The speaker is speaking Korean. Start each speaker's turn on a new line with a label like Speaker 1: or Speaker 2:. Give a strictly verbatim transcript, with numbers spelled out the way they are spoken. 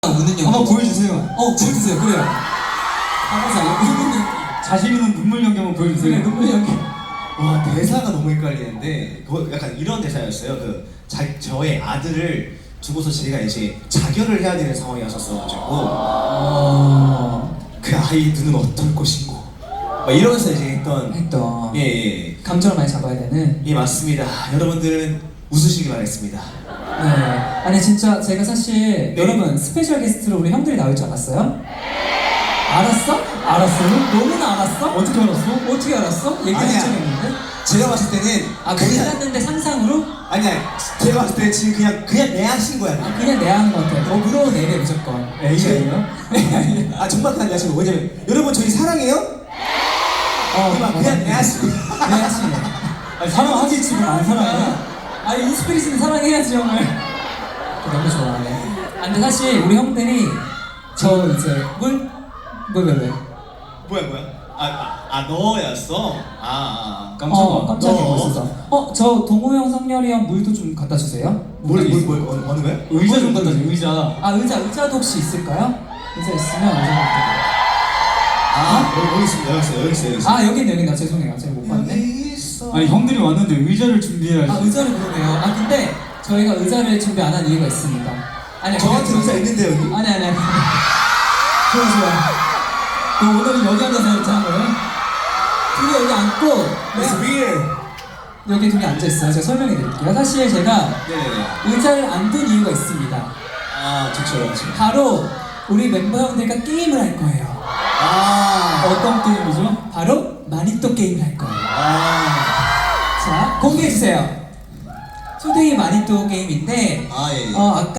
Speaker 1: 우는 연기
Speaker 2: 한번 보여주세요.
Speaker 1: 어 보여주세요. 그래요. 한번 우는 연기.
Speaker 2: 자신 있는 눈물 연기 한번 보여주세요.
Speaker 1: 그래 눈물 연기.
Speaker 3: 와 대사가 너무 헷갈리는데 그거 약간 이런 대사였어요. 그 자, 저의 아들을 두고서 제가 이제 자결을 해야 되는 상황이 왔었어가지고
Speaker 1: 어...
Speaker 3: 그 아이의 눈은 어떨 것인고 막 이러면서 이제 했던
Speaker 1: 했던
Speaker 3: 예예 예,
Speaker 1: 감정을 많이 잡아야 되는.
Speaker 3: 예, 맞습니다. 여러분들은 웃으시기 바라겠습니다.
Speaker 1: 네. 아니 진짜 제가 사실
Speaker 3: 네.
Speaker 1: 여러분 스페셜 게스트로 우리 형들이 나올 줄 알았어요? 알았어? 알았어요? 너무나 알았어?
Speaker 2: 어떻게 알았어?
Speaker 1: 어떻게 알았어? 얘기한
Speaker 3: 아니야.
Speaker 1: 적이 없는데?
Speaker 3: 제가 봤을 때는
Speaker 1: 아 몰랐는데 상상으로?
Speaker 3: 아니야 제가 봤을 때는 지금 그냥 그냥 내 하신 거야.
Speaker 1: 아
Speaker 3: 그냥.
Speaker 1: 그냥 내 하는 것 같아. 너그러운 애래 무조건.
Speaker 2: A예요?
Speaker 3: 아 정말 그냥 내 하신 거. 왜냐면 여러분 저희 사랑해요?
Speaker 1: 어
Speaker 3: 그냥 그냥 내 하신 거.
Speaker 1: 내 하시네.
Speaker 2: 아니, 사랑하지 지금 안 사랑해?
Speaker 1: 아니 인스피리스는 사랑해야지 형을. 너무 좋아해. 아, 근데 사실 우리 형들이 저 이제 물? 왜 왜 왜?
Speaker 3: 뭐야 뭐야? 아, 아, 아 너였어? 아, 아.
Speaker 2: 깜짝아.
Speaker 1: 어, 깜짝이야
Speaker 3: 너.
Speaker 1: 있어서. 어, 저 동호 형, 성렬이 형 물도 좀 갖다 주세요.
Speaker 3: 뭘뭘뭘 어느 어느 거야?
Speaker 2: 의자 좀 갖다 줘. 의자.
Speaker 1: 아 의자 의자도 혹시 있을까요? 의자 있으면 의자 갖다.
Speaker 3: 아 여기, 여기 있습니다. 여기 있어요. 여기 있어요. 여기 있어요.
Speaker 1: 아 여기 있네 여기 있네. 죄송해요 제가 못 봤네.
Speaker 3: 여기 있어.
Speaker 2: 아니 형들이 왔는데 의자를 준비해야지.
Speaker 1: 아 의자를 그러네요. 아 근데 저희가 의자를 준비 안 한 이유가 있습니다. 아니
Speaker 3: 저한테 의자 있는데 여기.
Speaker 1: 아니 아니 아니. 좋아 좋아. 너 오늘은 여기 앉아서 이렇게 한 거예요? 둘이 여기 앉고
Speaker 3: It's
Speaker 1: 네,
Speaker 3: weird.
Speaker 1: 여기 둘이 앉아 있어요. 제가 설명해 드릴게요. 사실 제가
Speaker 3: 네네네.
Speaker 1: 의자를 안 둔 이유가 있습니다.
Speaker 3: 아 좋죠 좋죠.
Speaker 1: 바로 우리 멤버 형들과 게임을 할 거예요.
Speaker 3: 아.
Speaker 2: 어떤 게임이죠?
Speaker 1: 바로 마니또 게임을 할 거예요.
Speaker 3: 아.
Speaker 1: 자 공개해 주세요. 투데이 마니또 게임인데
Speaker 3: 아 예. 예.
Speaker 1: 어 아까